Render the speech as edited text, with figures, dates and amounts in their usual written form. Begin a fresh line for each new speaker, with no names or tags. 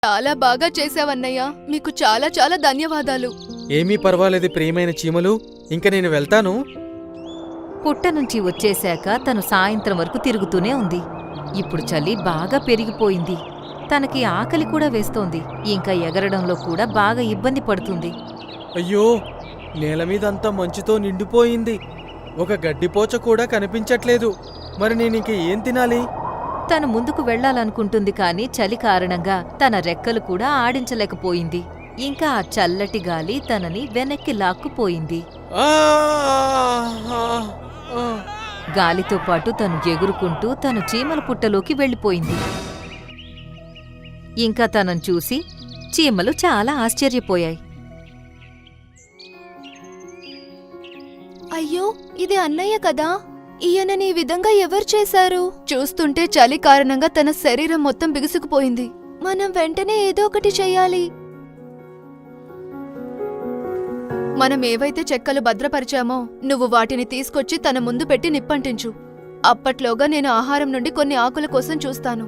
చాలా బాగా చేసావన్నయ్య. మీకు చాలా చాలా ధన్యవాదాలు.
ఏమీ పర్వాలేదు ప్రియమైన చీమలు, ఇంక నేను వెళ్తాను.
పుట్ట నుంచి వచ్చేశాక తను సాయంత్రం వరకు తిరుగుతూనే ఉంది. ఇప్పుడు చలి బాగా పెరిగిపోయింది. తనకి ఆకలి కూడా వేస్తోంది. ఇంకా ఎగరడంలో కూడా బాగా ఇబ్బంది పడుతుంది.
అయ్యో, నేల మీదంతా మంచుతో నిండిపోయింది. ఒక గడ్డిపోచ కూడా కనిపించట్లేదు. మరి నేనింక ఏం తినాలి?
తను ముందుకు వెళ్లాలనుకుంటుంది కాని చలి కారణంగా తన రెక్కలు కూడా ఆడించలేకపోయింది. ఇంకా ఆ చల్లటి గాలి తనని వెనక్కి లాక్కుపోయింది.
ఆ! ఆ! ఆ!
గాలితో పాటు తను ఎగురుకుంటూ తను చీమల పుట్టలోకి వెళ్ళిపోయింది. ఇంకా తనను చూసి చీమలు చాలా ఆశ్చర్యపోయాయి.
అయ్యో, ఇది అన్నయ్య కదా. ఈయనని ఈ విధంగా ఎవరు చేశారు? చూస్తుంటే చలి కారణంగా తన శరీరం మొత్తం బిగుసుకుపోయింది. మనం వెంటనే ఏదో ఒకటి చెయ్యాలి. మనం ఏవైతే చెక్కలు భద్రపరిచామో నువ్వు వాటిని తీసుకొచ్చి తన ముందు పెట్టి నిప్పంటించు. అప్పట్లోగా నేను ఆహారం నుండి కొన్ని ఆకుల కోసం చూస్తాను.